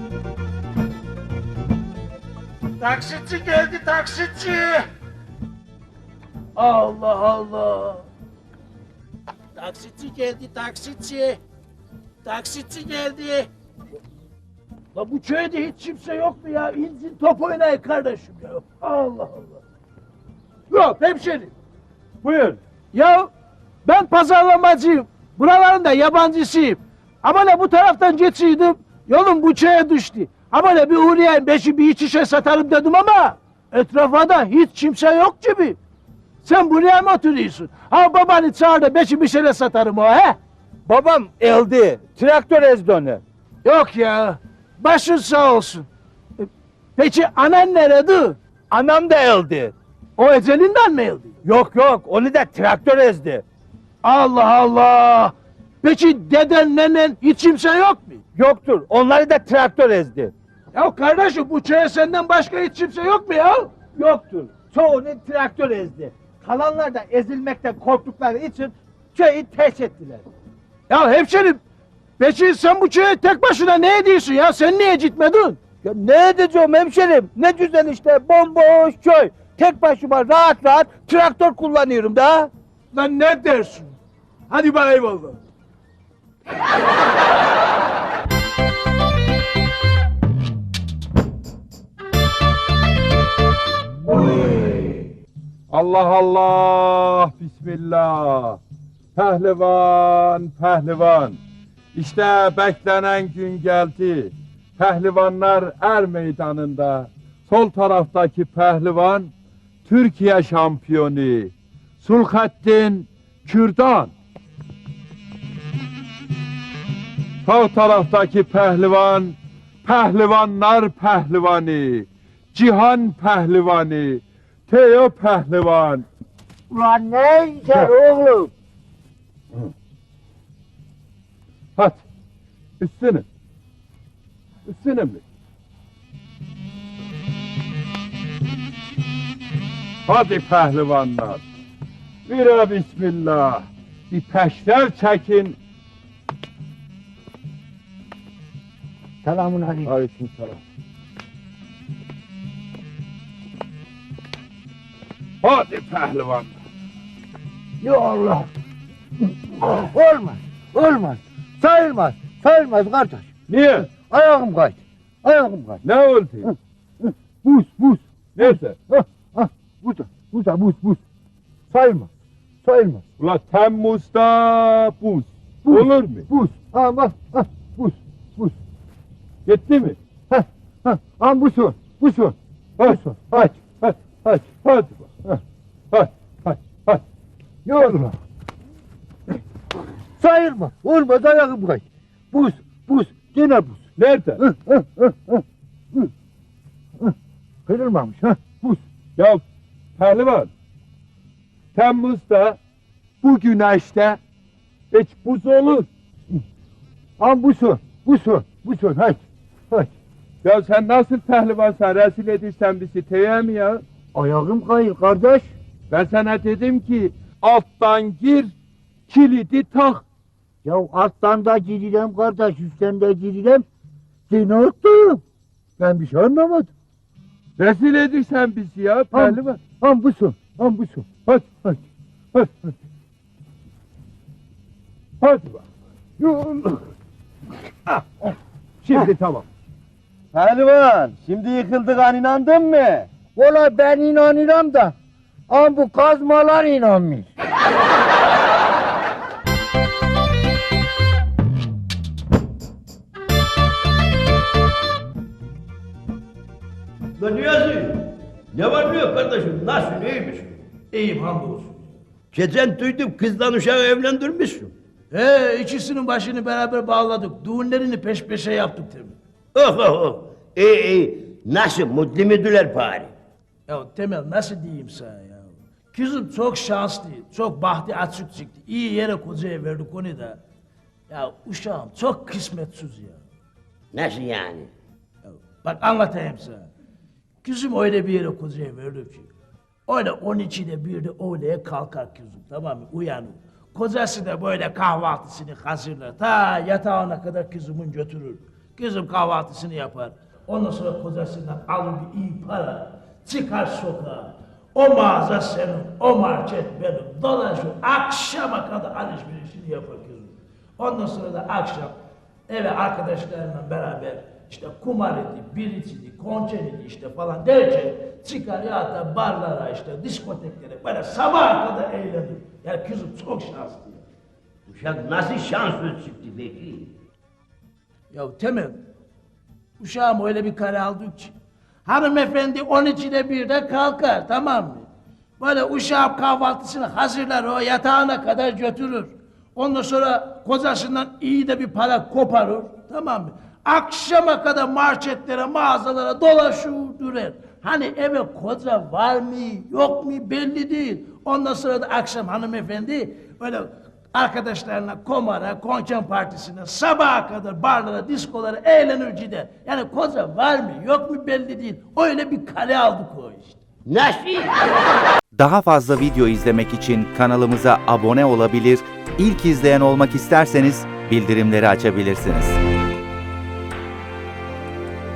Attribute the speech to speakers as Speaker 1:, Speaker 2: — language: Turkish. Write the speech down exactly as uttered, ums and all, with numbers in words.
Speaker 1: Taksitçi geldi, taksitçi! Allah Allah! Taksitçi geldi, taksitçi! Taksitçi geldi! La bu köyde hiç kimse yok mu ya? İnsin top oynayın kardeşim ya! Allah Allah! Yok hemşerim!
Speaker 2: Buyur.
Speaker 1: Ya ben pazarlamacıyım. Buraların da yabancısıyım. Ama ne bu taraftan geçiyordum. Yolum bu köye düştü. Ama ne bir uğrayayım beşi bir iç işe satarım dedim ama etrafa da hiç kimse yok gibi. Sen buraya mı oturuyorsun? Ha babanı çağır da beşi bir şeyle satarım o he?
Speaker 2: Babam eldi. Traktör ezdi onu.
Speaker 1: Yok ya. Başın sağ olsun. E, Peki anan nerede?
Speaker 2: Anam da eldi.
Speaker 1: O ecelinden mi öldü?
Speaker 2: Yok yok, onu da traktör ezdi.
Speaker 1: Allah Allah. Peki deden nenen hiç kimse yok mu?
Speaker 2: Yoktur, onları da traktör ezdi.
Speaker 1: Ya kardeşim bu köye senden başka hiç kimse yok mu ya?
Speaker 2: Yoktur, çoğunu traktör ezdi. Kalanlar da ezilmekten korktukları için köyü terk ettiler.
Speaker 1: Ya hemşerim, peki sen bu köye tek başına ne ediyorsun ya? Sen niye gitmedin?
Speaker 2: Ya ne edeceğim hemşerim? Ne güzel işte, bomboş köy. Tek başıma rahat rahat traktör kullanıyorum da.
Speaker 1: Lan ne dersin? Hadi bana eyvallah.
Speaker 3: Allah Allah, Bismillah. Pehlivan, pehlivan. İşte beklenen gün geldi. Pehlivanlar er meydanında. Sol taraftaki pehlivan Türkiye şampiyonu Sulhattin Kürdan. Sağ taraftaki pehlivan Pehlivanlar pehlivanı Cihan pehlivanı Teo pehlivan.
Speaker 2: Ulan ne işler oğlum?
Speaker 3: Hadi üstüne. Üstüne mi? Hadi pehlivanlar. Bira bismillah. Bir peşler çekin.
Speaker 2: Selamun aleyküm.
Speaker 3: Aleyküm selam. Hadi pehlivan.
Speaker 2: Ya Allah. Olmaz. Olmaz. Sayılmaz. Sayılmaz kardeş.
Speaker 3: Niye?
Speaker 2: Ayağım kaydı. Ayağım kaydı.
Speaker 3: Ne oldu?
Speaker 2: Buz buz.
Speaker 3: Neyse.
Speaker 2: Hah, hah. Burada. Burada buz buz. Sayılmaz. Sayılmaz.
Speaker 3: Ula Temmuz'da buz.
Speaker 2: Buz.
Speaker 3: Olur mu?
Speaker 2: Buz. Ha bak. Ha, buz. Buz.
Speaker 3: Gitti mi?
Speaker 2: Ha ha. Ha bu su. Bu su. Bu su.
Speaker 3: Hadi. Hadi. Hadi. Hadi. Hadi. Hadi. Hadi. Hadi.
Speaker 2: Yorma. Sayılmaz. Olmaz ayağım kaydı. Buz. Buz. Gene buz.
Speaker 3: Nerede?
Speaker 2: Hı, hı, hı, hı, hı. Hı. Kırılmamış ha. Buz.
Speaker 3: Ya pehlivan. Temmuz'da bu güneşte hiç buz olur.
Speaker 2: Ha bu su. Bu su. Bu su. Haydi. Haydi.
Speaker 3: Ya sen nasıl pehlivansan rezil edirsen bizi teye mi ya?
Speaker 2: Ayağım kayır kardeş.
Speaker 3: Ben sana dedim ki alttan gir kilidi tak.
Speaker 2: Ya alttan da girilem kardeş, üstten de girilem. Seni unuttum. Ben bir şey anlamadım.
Speaker 3: Rezil edirsen bizi ya pehlivan.
Speaker 2: Ham bu su. Ham bu su.
Speaker 3: Hadi hadi hadi hadi. Hadi bak. Ah, ah. Şimdi tamam.
Speaker 2: Pehlivan, şimdi yıkıldık inandın mı? Valla ben inanıyorum da. Ama bu kazmalar inanmıyor.
Speaker 4: Lan Niyazi, ne var ne yok kardeşim, nasılsın, iyi misin?
Speaker 1: İyiyim hamdolsun.
Speaker 4: Geçen duydum kızdan uşağı evlendirmişsin.
Speaker 1: He ikisinin başını beraber bağladık. Düğünlerini peş peşe yaptık tabii.
Speaker 4: Oh oh oh, iyi iyi, nasıl, mutlu müdüler bari?
Speaker 1: Ya Temel nasıl diyeyim sana ya? Kızım çok şanslı, çok bahtı açık çıktı. İyi yere kocaya verdik onu da. Ya uşağım çok kısmetsiz ya.
Speaker 4: Nasıl yani?
Speaker 1: Ya bak anlatayım sana. Kızım öyle bir yere kocaya verdik ki. Öyle on ikide bir de öğleye kalkar kızım, tamam mı? Uyanır. Kocası da böyle kahvaltısını hazırlar. Ta yatağına kadar kızımın götürür. Kızım kahvaltısını yapar. Ondan sonra kocasından alır bir iyi para. Çıkar sokağa. O mağaza senin, o market benim. Dolaşır, akşama kadar alışverişini yapar kızım. Ondan sonra da akşam eve arkadaşlarımla beraber işte kumar idi, bir içidi, konçer idi işte falan derken çıkar ya da barlara işte diskoteklere böyle sabaha kadar eğlenir. Yani kızım çok şanslı.
Speaker 4: Uşak nasıl şanslı çıktı peki?
Speaker 1: Ya Temel, uşağım öyle bir kare aldık ki hanımefendi on içine birde kalkar, tamam mı? Böyle uşağım kahvaltısını hazırlar, o yatağına kadar götürür. Ondan sonra kocasından iyi de bir para koparır, tamam mı? Akşama kadar marketlere, mağazalara dolaşır durur. Hani eve koca var mı, yok mu belli değil. Ondan sonra da akşam hanımefendi böyle arkadaşlarına komara, konken partisine, sabaha kadar barlara, diskolara eğlenir gider. Yani koca var mı, yok mu belli değil. Öyle bir kale aldık o işte.
Speaker 4: Nasıl?
Speaker 5: Daha fazla video izlemek için kanalımıza abone olabilir, ilk izleyen olmak isterseniz bildirimleri açabilirsiniz.